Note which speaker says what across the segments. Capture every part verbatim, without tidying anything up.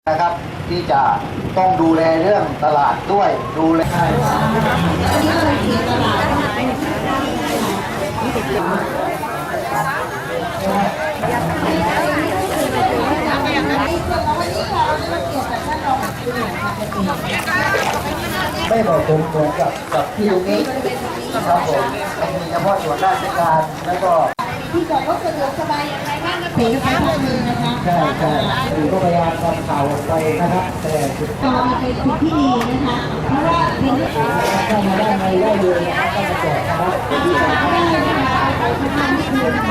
Speaker 1: นะครับที่จะต้องดูแลเรื่องตลาดด้วยดูแลไม่เหมาะสมเหมือนกับกับที่ตรงนี้ครับผมมันมีเฉพาะส่วนราชการแล้วก็
Speaker 2: ที่บอกว่าสะดวกสบายอย่างไรบ้างนะผีนะคะพวกมือนะคะ
Speaker 1: ใช่ใช่คือก็พยายามทำข่าวออกไปนะครับแต่
Speaker 2: ก็เป็นสิ่งที่ดีนะคะเพราะว่าเป็น
Speaker 1: ถ้ามาได้ในได้เลยนะครับก็มาแจกนะครับ
Speaker 2: ที่จะได้นะคะไปทำงานที่อื่น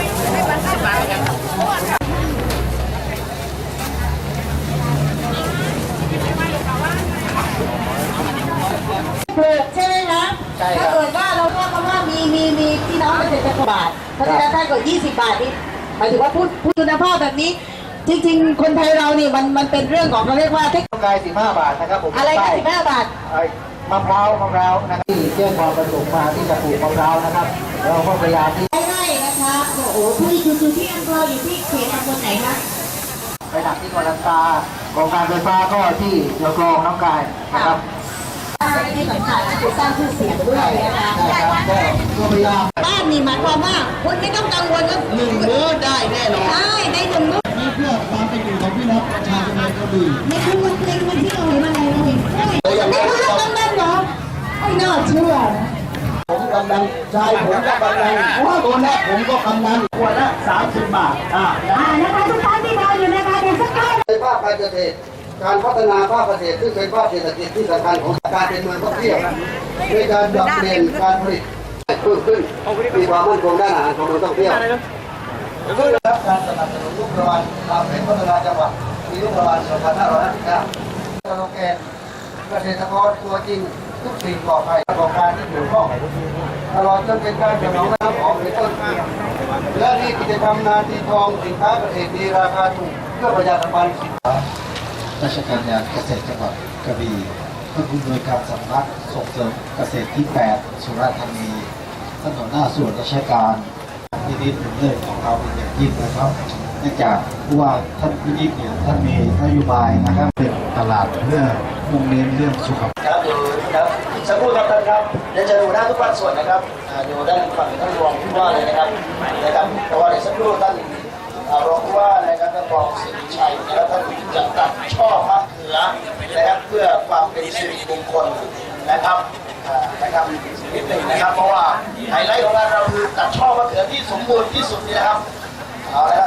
Speaker 2: ปลูกใช่ไหมคะถ้าเกิดว่าเราพูดคำว่ามีมีมีพี่น้องเกษตรกรบาทเพราะฉะนั้นถ้าเกิดยี่สิบบาทนี่หมายถึงว่าพูดพูดคุณภาพแบบนี้จริงๆคนไทยเรานี่มันมันเป็นเรื่องของเขาเรียกว่าเทค
Speaker 1: กำไรสิบห้าบาทนะครับผม
Speaker 2: อะไรก็สิบห้าบาท
Speaker 1: มะพร้าวมะพร้าวนะครับที่แจ้งความประสงค์มาที่จะปลูกมะพร้าวนะครับเราก็พยายามที่
Speaker 2: ไร่นะคะโอ้โหผู้ที่อยู่ที่อำเภออยู่ที่เขตตำบลไหนคะ
Speaker 1: ไปหนักที่กอลันตากองการไฟฟ้าก็ที่เรือกรองน้ำกายนะครับ
Speaker 2: ที่สำคัญคือสร้างชื่อเสียงด้วยนะคะ
Speaker 1: ใช่ครับก็พยายาม
Speaker 2: บ้านมีหมายความว่าคุณไม่ต้องกังวลว่า
Speaker 1: หนึ่งมื้อได้แน่นอน
Speaker 2: ใช่ได้หนึ่งมื้อ
Speaker 1: นี่เพื่อความเป็นอยู่ของพี่น้องประชาชนในกระบี่
Speaker 2: ในคืนวันเพลงวันที่เราเห็นอะไรเราเห็นเฮ้ยนี่คือเรื่องกำนันเหรอไม่น่าเชื่อ
Speaker 1: ผมกำนันชายผมก็กำนันเพราะว่าตัวแรกผมก็กำนันขวดละสามสิบบาทอ่า
Speaker 2: นะคะทุกท่านที่รออยู่นะคะเดี๋ยวสักครู่
Speaker 1: ในภาคการเกษตรการพัฒนาภาคเกษตรซึ่งเป็นภาคเศรษฐกิจที่สำคัญของการเป็นเมืองท่องเที่ยวในการปรับเปลี่ยนการผลิตเพิ่มขึ้นมีความมั่นคงด้านอาหารของเมืองท่องเที่ยวเพื่อรับการสนับสนุนงบประมาณตามแผนพัฒนาจังหวัดปีงบประมาณสองพันห้าร้อยห้าสิบเก้าสโลแกนเกษตรกรตัวจริงทุกสิ่งปลอดภัยประกอบการที่เกี่ยวข้องตลอดจนเป็นการสนองน้ำของเป็นต้นและที่กิจกรรมนาทีทองสินค้าเกษตรดีราคาถูกเพื่อประหยัดน้ำมันราชการงานเกษตรจังหวัดกระบี่ท่านผู้อำนวยการสำนักส่งเสริมเกษตรที่แปดสุราษฎร์ธานีท่านหัวหน้าส่วนราชการพินิจเรื่องของเราเป็นอย่างยิ่งนะครับเนื่องจากว่าท่านพินิจเนี่ยท่านมีนโยบายนะครับเป็นตลาดเพื่อมุ่งเน้นเรื่องสุขภาพครับอยู่ครับสักครู่ครับท่านครับเดี๋ยวจะดูหน้าทุกภาคส่วนนะครับอยู่ด้านฝั่งท่านรองผู้ว่าเลยนะครับนะครับแต่ว่าเดี๋ยวสักครู่ท่านรองผู้ว่านะครับท่านรองสิริชัยและท่านจะตัดช่อมะเขือนะครับเพื่อความเป็นสิริมงคลนะครับนะครับนิดหนึ่งนะครับเพราะว่าไฮไลท์ของงานเราคือตัดช่อมะเขือที่สมบูรณ์ที่สุดนี่นะครับเอาละครับ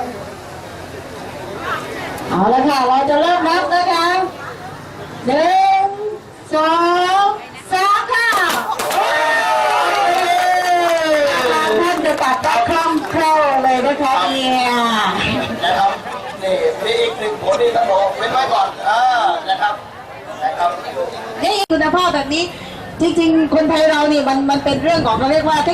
Speaker 2: เอาละค่ะเราจะเริ่มนับนะคะหนึ่งสองสามค่ะท่านจะตัดได้คล่องแคล่วเลยนะคะเนี่ย
Speaker 1: นะครับนี่มีอีกหนึ่งผลที่ท่านบอกเว้นไว้ก่อนอ่านะครับนะครับ
Speaker 2: นี่คุณภาพแบบนี้จริงๆคนไทยเรานี่มันมันเป็นเรื่องของเขาเรียกว่า